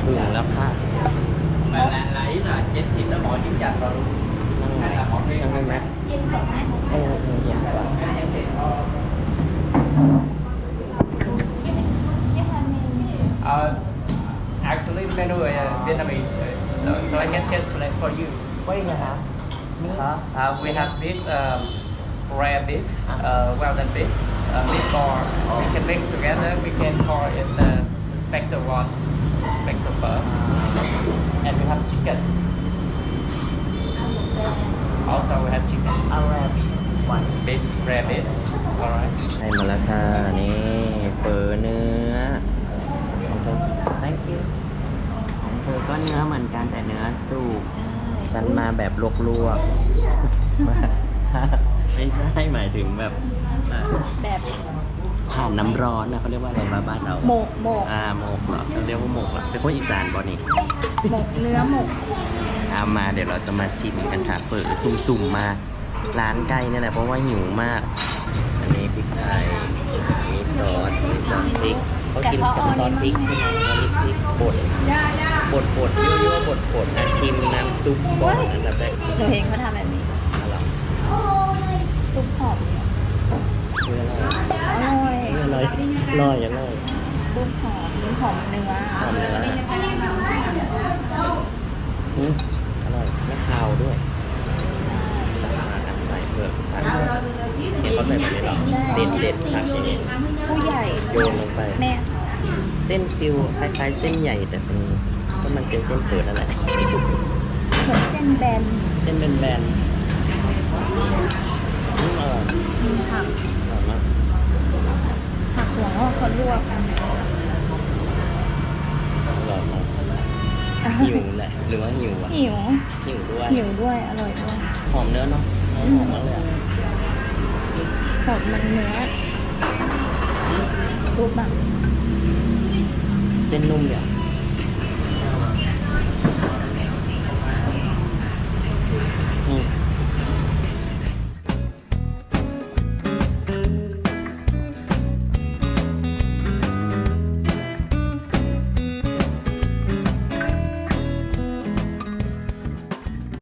ถึงแล้วค่ะ mà là ý là chén thịt nó bỏ trứng chạch vào luôn hay là bỏ riêng ยังไงไหมเย็นก่อนไหมอยากว่า cái chén thịt actually menu is Vietnamese so I can translate for you What do you have? we have beef rare beef well done beef beef ball we can mix together we can call it the special one the special pho and we have chicken also we have chicken Arabic one. beef rare beef alright ให้มาแล้วค่ะนี่เฟอเนื้อของเธอ thank you ของเธอก็เนื้อเหมือนกันแต่เนื้อสุกฉันมาแบบลวกๆ ไม่ใช่หมายถึงแบบแบบผ่านน้ำร้อนนะเขาเรียกว่าอะไรบ้านเราหมกหมกเหรอเขาเรียกว่าหมกเหรอเป็นคนอีสานบ่นี่หมกเนื้อหมกเอามาเดี๋ยวเราจะมาชิมกันค่ะเปิดสุ่มๆมาร้านใกล้นี่แหละเพราะว่าหิวมาก อันนี้พริกไทยมีซอสพริกเขากินกับซอสพริกใช่ไหมอันนี้พริกบดยั่วๆบดนะชิมน้ำซุปก่อนอันดับแรกหนูเห็นเขาทำแบบนี้อะไรซุปหอมคืออะไรอร่อยอร่อยอร่อยอร่อยซุปหอมหอมเนื้อหอมเนื้ออร่อยไม่คาวด้วยสามารถใส่เผือกผักเนี่ยเขาใส่แบบนี้หรอเด็ดผักอย่างนี้ผู้ใหญ่โยนลงไปแม่เส้นฟิวคล้ายๆเส้นใหญ่แต่เป็นก็มันเป็นเส้นเปิดนั่นแหละเหมือนเส้นแบนเส้นแบนๆอร่อยผักอร่อยมากผักหัวงอกเขาลวกอร่อยมากหิวแหละหรือว่าหิวอ่ะหิวหิวด้วยหิวด้วยอร่อยด้วยหอมเนื้อเนาะหอมมากเลยอ่ะหอมมันเนื้อซุปแบบเส้นนุ่มเนี่ย